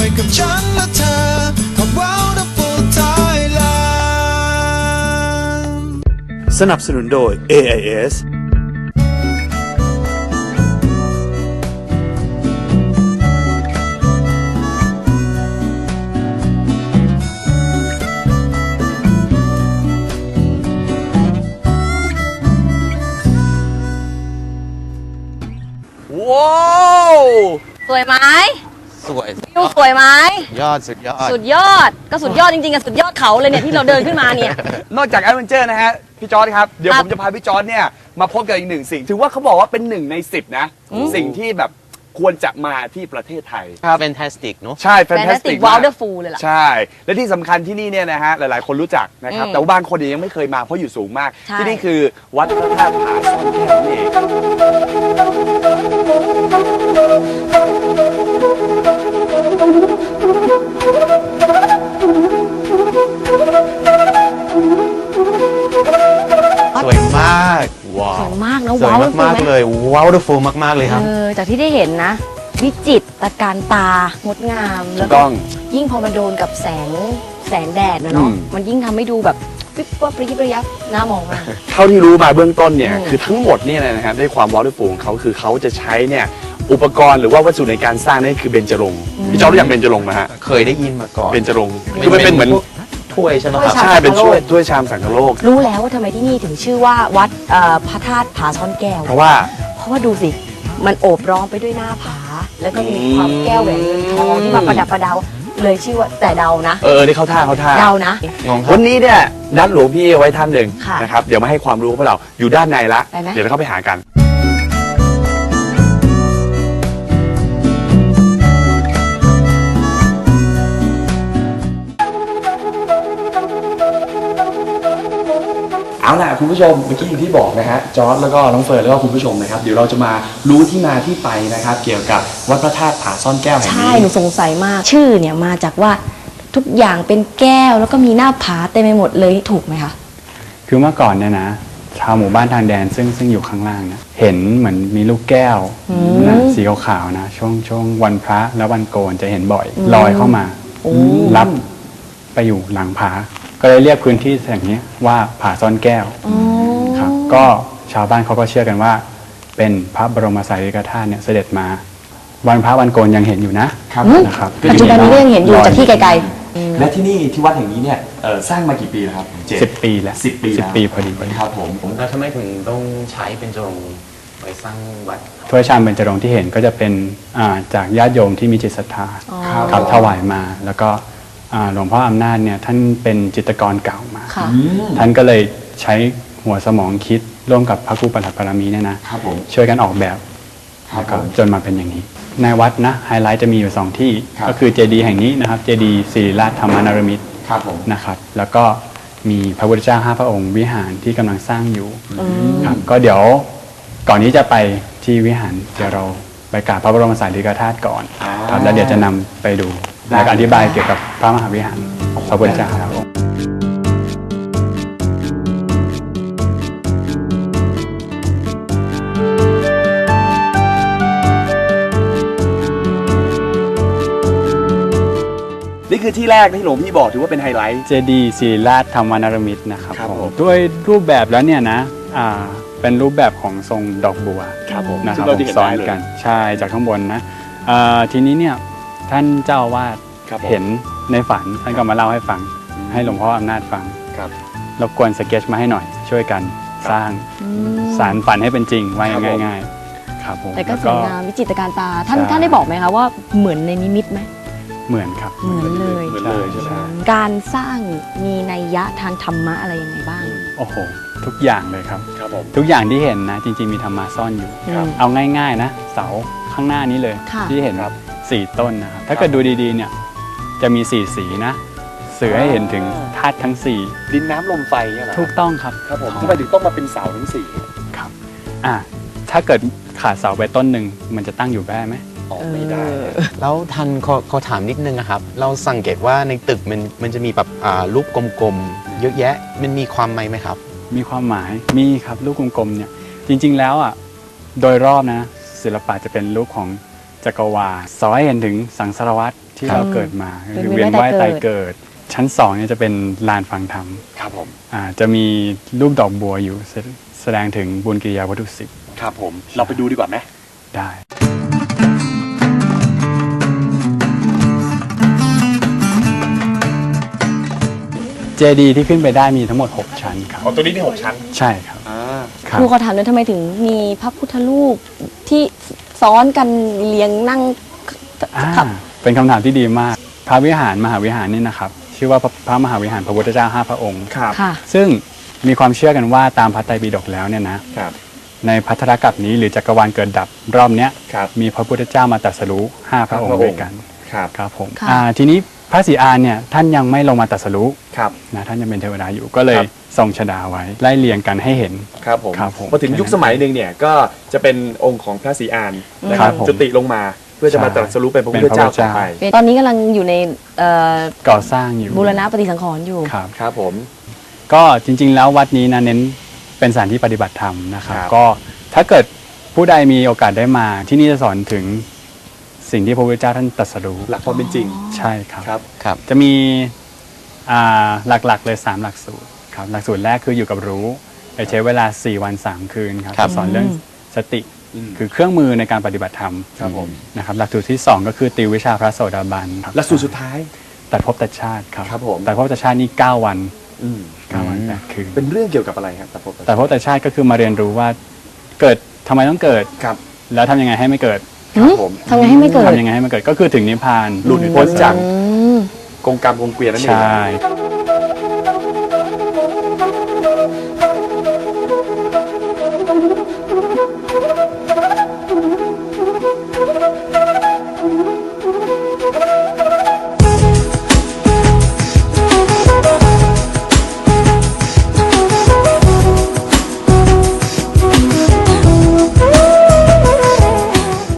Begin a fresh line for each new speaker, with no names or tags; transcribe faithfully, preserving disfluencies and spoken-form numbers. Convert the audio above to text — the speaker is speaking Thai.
กับฉันและเธอกับ Wonderful Thailand
สนับสนุนโดย เอ ไอ เอส
ว้าว
สวยไหม
สวย
วิวสวยไหม
ยอดสุดยอด
สุดยอดก็สุดยอดจริงๆกับสุดยอดเขาเลยเนี่ยที่เราเดินขึ้นมาเนี่ย
นอกจากแอดเวนเจอร์นะฮะพี่จอร์ดครับเดี๋ยว
ครั
ผ
บ
มจะพาพี่จอร์ดเนี่ยมาพบกับอีกหนึ่งสิ่งถือว่าเขาบอกว่าเป็นหนึ่งในสิบนะ
อืม
สิ่งที่แบบควรจะมาที่ประเทศไทย
ครับ fantastic เนอะ
ใช่
แฟนตาสติ
fantastic
ก
มาก
wonderful เลยล่ะ
ใช่ และที่สำคัญที่นี่เนี่ยนะฮะหลายๆ คนรู้จักนะครับ
อืม
แต่ว่าบางคนยังไม่เคยมาเพราะอยู่สูงมาก
ใช่
ที่นี่คือวัดพระธาตุผาซ่อนแก้วนั่นเอง
สวยมากว้า
ส
ว
วยมากนะ
สวย
ว้าว
มากๆเลยว้าวฟูมากๆเลยครับ
เออจากที่ได้เห็นนะ วิจิตรการตางดงาม
ถู
แล้ว
ก
ก็
ต้อง
ยิ่งพอมันโดนกับแสงแสงแดดนะเนาะ
อืม
มันยิ่งทำให้ดูแบบปิ๊บปั๊บปริบระยับน่ามองมาก
เท่าที่รู้มาเบื้องต้นเนี่ย
อืม
คือทั้งหมดเนี่ยนะครับด้วยความวอลลุ่มของเขาคือเขาจะใช้เนี่ยอุปกรณ์หรือว่าวัสดุในการสร้างนี่คือเบญจรงค์พี่จอร์ดรู้จักเบญจรงค์ไหมฮะ
เคยได้ยินมาก่อน
เบญจรงค์คือมันเป็นเหมือน
พวกถ้วยใช่ไหมครับ
ถ้วยชาม
ใช่เป็นช่วยถ้วยชามสังคโลก
รู้แล้วว่าทำไมที่นี่ถึงชื่อว่าวัดเอ่อพระธาตุผาซ่อนแก้ว
เพราะว่า
เพราะว่าดูสิ มันโอบล้อมไปด้วยหน้าผา แล้วก็มีความแก้วแหวนเงินทองที่มาประดับประดาเลยชื่อว่าแต่เดานะ
เออนี่เขาท่าเขาท่า
เดานะ
งงครั
วั
บ
นนี้เนี่ยนัดหลวงพี่เอาไว้ท่านหนึ่ง
ค่ะ
นะครับเดี๋ยวมาให้ความรู้พวกเราอยู่ด้านในละ
ไปไหม
เดี๋ยวเราเข้าไปหากันเอาล่ะคุณผู้ชมเมื่อกี้อย่างที่บอกนะฮะจอร์จแล้วก็น้องเฟิร์นแล้วก็คุณผู้ชมนะครับเดี๋ยวเราจะมารู้ที่มาที่ไปนะครับเกี่ยวกับวัดพระธาตุผาซ่อนแก้วแห่ง
ใช่
นี้
หนูสงสัยมาก ชื่อเนี่ยมาจากว่าทุกอย่างเป็นแก้วแล้วก็มีหน้าผาเต็มไปหมดเลยถูกไหมคะ
คือเมื่อก่อนเนี่ยนะชาวหมู่บ้านทางแดนซึ่งซึ่งอยู่ข้างล่างเนี่ยเห็นเหมือนมีลูกแก้ว
อืม
นะสีขาวๆนะช่วงช่วงวันพระและวันโกนจะเห็นบ่อย
อืม
ลอยเข้ามา
โอ้
รับไปอยู่หลังผา ก็เลยเรียกพื้นที่แห่งนี้ว่าผาซ่อนแก้ว
อ๋อ
ครับก็ชาวบ้านเขาก็เชื่อกันว่า เป็นพระบรมสารีริกธาตุเนี่ยเสด็จมา วันพระวันโกนยังเห็นอยู่นะครับ นะครับ
ปัจจุบันนี้ก็ยังเห็นอยู่จากที่ไกล
และที่นี่ที่วัดแห่งนี้เนี่ยเอ่อสร้างมากี่ปีแล้วครับเจ็ด
สิบปีแล้ว
สิบปี
สิบ
แล้ว
ปีพอดีพอดี
ครับผม
แล้วทำไมถึงต้องใช้เป็นจรงไว้สร้างวัด
ถ้วยชามเบญจรงค์ที่เห็นก็จะเป็นอ่าจากญาติโยมที่มีจิตศรัทธา
อ๋อ
ครับถวายมา แล้วก็อ่าหลวงพ่ออำนาจเนี่ยท่านเป็นจิตรกรเก่ามา
ๆ ค่ะ
ท่านก็เลยใช้หัวสมองคิดร่วมกับพระครูปฐัปปารมีเนี่ยนะครับ
ผม
ช่วยกันออกแบบ
ครับ
แล้วก็
ผม
จนมาเป็นอย่างนี้ ในวัดนะไฮไลท์จะมีอยู่สองที่
ครับ
ก็คือเจดีย์แห่งนี้นะครับเจดีย์ศิริราชธรรมนารมิตร
ครับผม
นะครับแล้วก็มีพระพุทธเจ้าห้าพระองค์วิหารที่กำลังสร้างอยู่
อืม
ครับก็เดี๋ยวก่อนที่จะไปที่วิหารเดี๋ยวเราไปกราบพระบรมสารีริกธาตุก่อน
อ่า
ครับแล้วเดี๋ยวจะนำไปดู
ได้
และอธิบายเกี่ยวกับพระมหาวิหารพระพุทธเจ้าครับผม
นี่คือที่แรกที่หลวงพี่บอกถือว่าเป็นไฮไลท์
เจดีย์ศิริราชธรรมนารมิตรนะครับ
ครับ
ผ
ผม
มด้วยรูปแบบแล้วเนี่ยนะอ่าเป็นรูปแบบของทรงดอกบัว
ครับผม
นะค
ซึ่
รับ
งเราจะเห็น
ซ้อ
ได้
น
เลย
กันใช่จากข้างบนนะอ่าทีนี้เนี่ยท่านเจ้าอาวาส
ครับผม
เห็นในฝันท่านก็มาเล่าให้ฟัง ให้หลวงพ่ออำนาจฟัง
ครับ
รบกวนสเก็ตมาให้หน่อยช่วยกันสร้างสารฝันให้เป็นจริงว่า
ครับผม
ง่ายๆครับผม
แต่ก็
ล้ว
สวยงามวิจิตรการตา ท่าน
ใช่
ท่านได้บอกไหมคะว่าเหมือนในนิมิตไหม
เหมือนครับ
เหมือนเลย
เหมือนเลยใช่ไหม
การสร้างมีนัยยะทางธรรมะอะไรยังไงบ้าง
โอ้โหทุกอย่างเลยครับ
ครับผม
ทุกอย่างที่เห็นนะจริงๆมีธรรมะซ่อนอยู่
ครับ
เอาง่ายๆนะเสาข้างหน้านี้เลย
ค่ะ
ที่เห็นครับสี่ต้นนะครับถ้าเกิดดูดีๆเนี่ยจะมีสี่สีนะสื่อให้เห็นถึงธาตุทั้งสี่
ดินน้ำลมไฟเนี่ยเหรอ
ถูกต้องครับ
ครับผมทำไมถึงต้องมาเป็นเสาทั้งสี่
ครับอ่ะถ้าเกิดขาดเสาไปต้นหนึ่งมันจะตั้งอยู่ได้ไหม
ออกไม่ได้
แล้วทันขอขอถามนิดนึงนะครับ เราสังเกตว่าในตึกมันมันจะมีแบบอ่ารูปกลมๆเยอะแยะมันมีความหมายไหมครับ
มีความหมายมีครับลูกกลมๆเนี่ยจริงๆแล้วอ่ะโดยรอบนะศิลปะจะเป็นรูปของจักรวาลสอนให้เห็นถึงสังสารวัฏที่ที่
ครับ
เราเกิดมา
เวียน
คือเวียนว่าย
ว่าย
ตา
ตาย ยเกิ
เกิด
ด
ชั้นสองเนี่ยจะเป็นลานฟังธรรม
ครับผม
อ่าจะมีรูปดอกบัวอยู่แสแสดงถึงบุญกิริยาวัตถุสิบ
ครับผม เราไปดูดีกว่าไหม
ได้ เจดีย์ที่ขึ้นไปได้มีทั้งหมด หก ชั้นครับ
อ๋อตัวนี้มีหกชั้น
ใช่ครับ
อ่า
ครับ
ครูขอถามเลยทำไมถึงมีพระพุทธรูปที่ซ้อนกันเรียงนั่ง
อ่า
ครับ
เป็นคำถามที่ดีมาก พระวิหารมหาวิหารนี่นะครับ ชื่อว่าพระพระมหาวิหารพระพุทธเจ้าห้าพระองค์
ครับ
ค่ะ
ซึ่งมีความเชื่อกันว่าตามพระไตรปิฎกแล้วเนี่ยนะ
ครับ
ในพัทธกัปนี้หรือจักรวาลเกิดดับรอบเนี้ย
ครับ
มีพระพุทธเจ้ามาตรัสรู้ห้าพระองค์ด้วยกัน
ครับ
ครับผม
ค่ะ
อ่าทีนี้พระศรีอานเนี่ยท่านยังไม่ลงมาตรัสรู้
ครับ
นะท่านยังเป็นเทวดาอยู่ก็เลย
ครับ
ทรงชฎาไว้ไล่เรียงกันให้เห็น
ครับผม
ครับผม
พอถึงยุคสมัยหนึ่งเนี่ยก็จะเป็นองค์ของพระศรีอานนะค
ครั
รับบ
ผม
จุติลงมาเพื่อจะมา
ใช่
ตรัสรู้เป็นพระพุทธเจ้าต่อไป
ตอนนี้กำลังอยู่ในเอ่อ
ก่อสร้างอยู่
บูรณะปฏิสังขรณ์อยู่
ครับ
ครับผม
ก็จริงๆแล้ววัดนี้นะเน้นเป็นสถานที่ปฏิบัติธรรมนะครับ
ครับ
ก็ถ้าเกิดผู้ใดมีโอกาสได้มาที่นี่จะสอนถึงสิ่งที่พระพุทธเจ้าท่านตรัสรู้
หลักความเป็นจริง
ใช่ครับ
ครับ
ครับ
จะมีอ่าหลักๆเลยสามหลักสูตรครับหลักสูตรแรกคืออยู่กับรู้ไปใช้เวลาสี่วันสามคืนครับ
ครับ
สอนเรื่องสติ
อืม
คือเครื่องมือในการปฏิบัติธรรม
ครับผม
นะครับหลักสูตรที่สองก็คือติววิชาพระโสดาบันครับ
หลักสูตรสุดท้าย
ตัดภพตัดชาติครับ
ครับผม
ตัดภพตัดชาตินี่เก้าวัน
อืม
เก้าวันแปดคืน
เป็นเรื่องเกี่ยวกับอะไรครับตะพบ
ตัดภพตัดชาติก็คือมาเรียนรู้ว่าเกิดทำไมต้องเกิด
ครับ
แล้วทำยังไงให้ไม่เกิด
ครับผม
ทำไงให้ไม่เกิด
ทำยังไงให้มันเกิดก็คือถึงนิพพาน
หลุดพ้นจาก
อืม
กงกรรมกงเกวียนนั่นเอง
ใช่